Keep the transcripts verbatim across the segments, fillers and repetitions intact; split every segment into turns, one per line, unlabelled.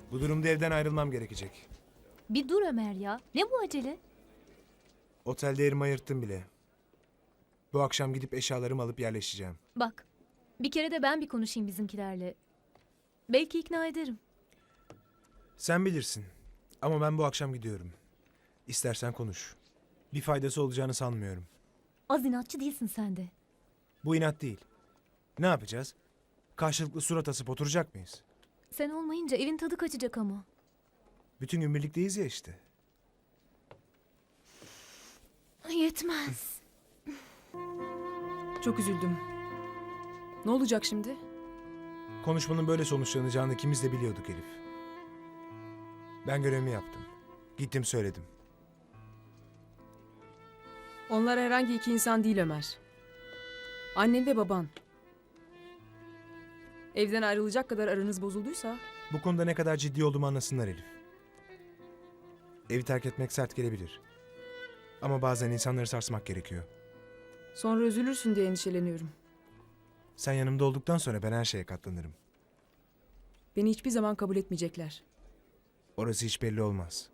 Bu durumda evden ayrılmam gerekecek.
Bir dur Ömer ya. Ne bu acele?
Otelde yerimi ayırttım bile. Bu akşam gidip eşyalarımı alıp yerleşeceğim.
Bak. Bir kere de ben bir konuşayım bizimkilerle. Belki ikna ederim.
Sen bilirsin. Ama ben bu akşam gidiyorum. İstersen konuş. Bir faydası olacağını sanmıyorum.
Az inatçı değilsin sen de.
Bu inat değil. Ne yapacağız? Karşılıklı surat asıp oturacak mıyız?
Sen olmayınca evin tadı kaçacak ama.
Bütün gün birlikteyiz ya işte.
Yetmez.
Çok üzüldüm. Ne olacak şimdi?
Konuşmanın böyle sonuçlanacağını ikimiz de biliyorduk Elif. Ben görevimi yaptım. Gittim söyledim.
Onlar herhangi iki insan değil Ömer. Annen ve baban. Evden ayrılacak kadar aranız bozulduysa...
Bu konuda ne kadar ciddi olduğumu anlasınlar Elif. Evi terk etmek sert gelebilir. Ama bazen insanları sarsmak gerekiyor.
Sonra üzülürsün diye endişeleniyorum.
Sen yanımda olduktan sonra ben her şeye katlanırım.
Beni hiçbir zaman kabul etmeyecekler.
Orası hiç belli olmaz.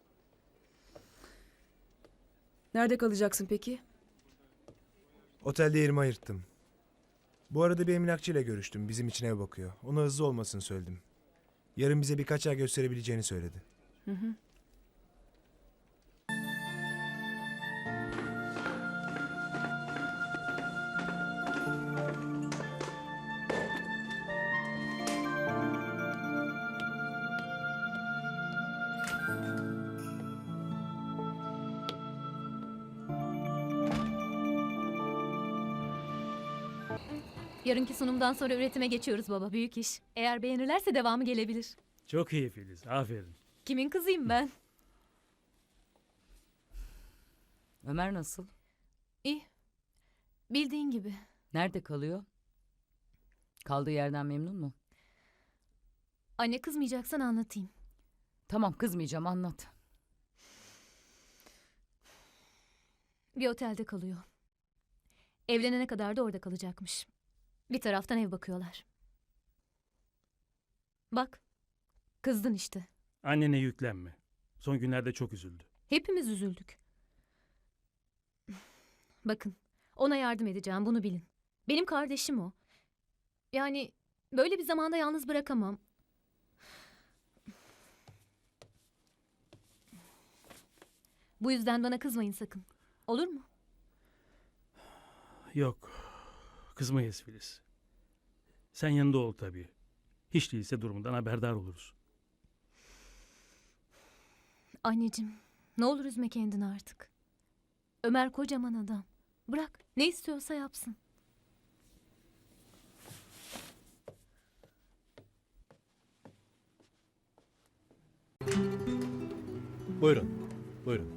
Nerede kalacaksın peki?
Otelde yerimi ayırttım. Bu arada bir emlakçıyla görüştüm. Bizim için ev bakıyor. Ona hızlı olmasını söyledim. Yarın bize birkaç yer gösterebileceğini söyledi.
Hı hı.
Yarınki sunumdan sonra üretime geçiyoruz baba. Büyük iş. Eğer beğenirlerse devamı gelebilir.
Çok iyi Filiz, aferin.
Kimin kızıyım ben?
Ömer nasıl?
İyi. Bildiğin gibi.
Nerede kalıyor? Kaldığı yerden memnun mu?
Anne kızmayacaksan anlatayım.
Tamam kızmayacağım anlat.
Bir otelde kalıyor. Evlenene kadar da orada kalacakmış. Bir taraftan ev bakıyorlar. Bak. Kızdın işte.
Annene yüklenme. Son günlerde çok üzüldü.
Hepimiz üzüldük. Bakın. Ona yardım edeceğim, bunu bilin. Benim kardeşim o. Yani böyle bir zamanda yalnız bırakamam. Bu yüzden bana kızmayın sakın. Olur mu?
Yok, kızmayız Filiz. Sen yanında ol tabii. Hiç değilse durumundan haberdar oluruz.
Anneciğim, ne olur üzme kendini artık. Ömer kocaman adam. Bırak, ne istiyorsa yapsın.
Buyurun, buyurun.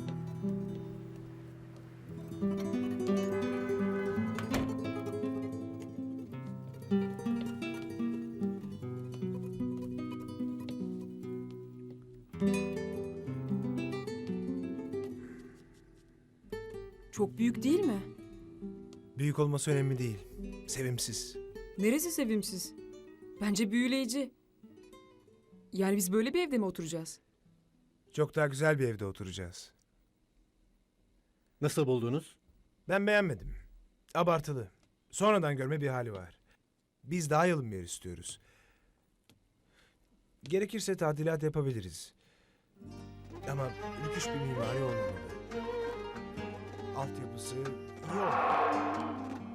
Çok büyük değil mi?
Büyük olması önemli değil. Sevimsiz.
Neresi sevimsiz? Bence büyüleyici. Yani biz böyle bir evde mi oturacağız?
Çok daha güzel bir evde oturacağız.
Nasıl buldunuz?
Ben beğenmedim. Abartılı. Sonradan görme bir hali var. Biz daha yalın bir yer istiyoruz. Gerekirse tadilat yapabiliriz. Ama rüküş bir mimari olmamalı. Altyapısı iyi olmalı.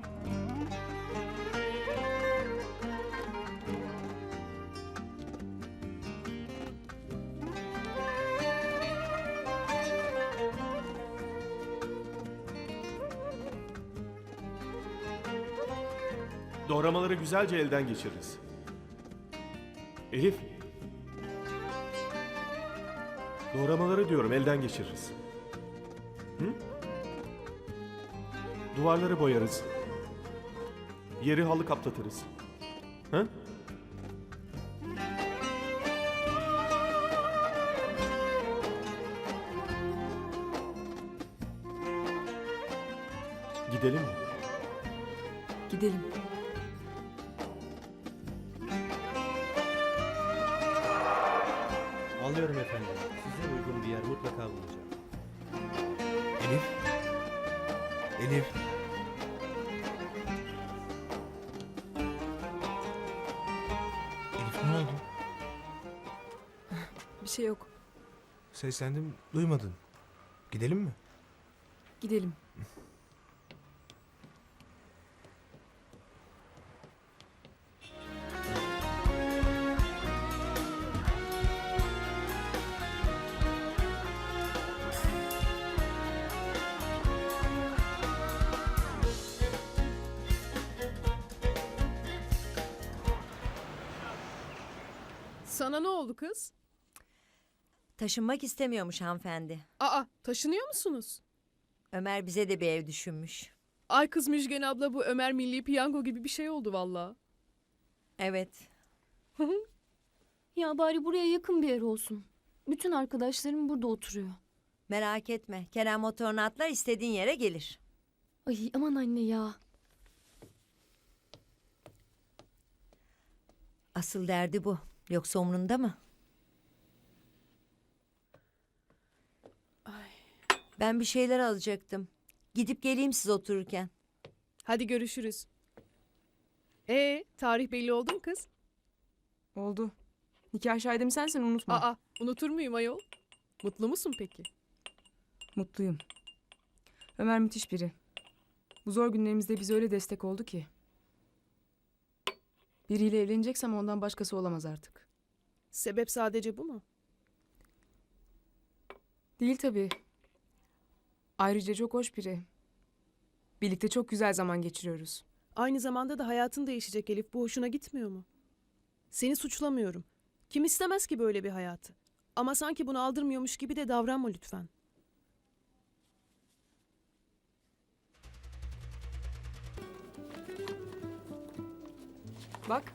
Doğramaları güzelce elden geçiririz. Elif. Doğramaları diyorum elden geçiririz. Hı? Duvarları boyarız. Yeri halı kaplatırız. Hı? Gidelim mi?
Gidelim.
Anlıyorum efendim. Size uygun bir yer mutlaka bulacağım.
Elif. Elif. Elif ne oldu?
Bir şey yok.
Seslendim, duymadın. Gidelim mi?
Gidelim.
Sana ne oldu kız?
Taşınmak istemiyormuş hanımefendi.
Aa, taşınıyor musunuz?
Ömer bize de bir ev düşünmüş.
Ay kız Müjgan abla, bu Ömer Milli Piyango gibi bir şey oldu valla.
Evet.
Ya bari buraya yakın bir yer olsun. Bütün arkadaşlarım burada oturuyor.
Merak etme. Kerem motorunu atlar istediğin yere gelir.
Ay aman anne ya.
Asıl derdi bu. Yoksa umrunda mı? Ben bir şeyler alacaktım. Gidip geleyim siz otururken.
Hadi görüşürüz. Ee, tarih belli oldu mu kız?
Oldu. Nikah şahidim sensin, unutma.
Aa, unutur muyum ayol? Mutlu musun peki?
Mutluyum. Ömer müthiş biri. Bu zor günlerimizde bize öyle destek oldu ki. Biriyle evleneceksem ondan başkası olamaz artık.
Sebep sadece bu mu?
Değil tabii. Ayrıca çok hoş biri. Birlikte çok güzel zaman geçiriyoruz.
Aynı zamanda da hayatın değişecek Elif. Bu hoşuna gitmiyor mu? Seni suçlamıyorum. Kim istemez ki böyle bir hayatı? Ama sanki bunu aldırmıyormuş gibi de davranma lütfen.
Bak,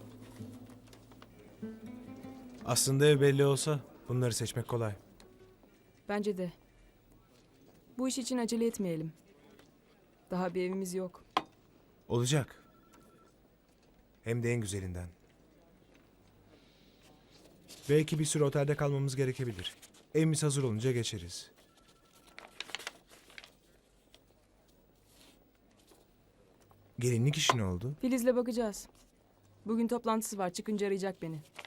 Aslında ev belli olsa bunları seçmek kolay.
bence de. Bu iş için acele etmeyelim. Daha bir evimiz yok.
Olacak. Hem de en güzelinden. Belki bir süre otelde kalmamız gerekebilir. Evimiz hazır olunca geçeriz. Gelinlik işi ne oldu?
Filiz'le bakacağız. Bugün toplantısı var, çıkınca arayacak beni.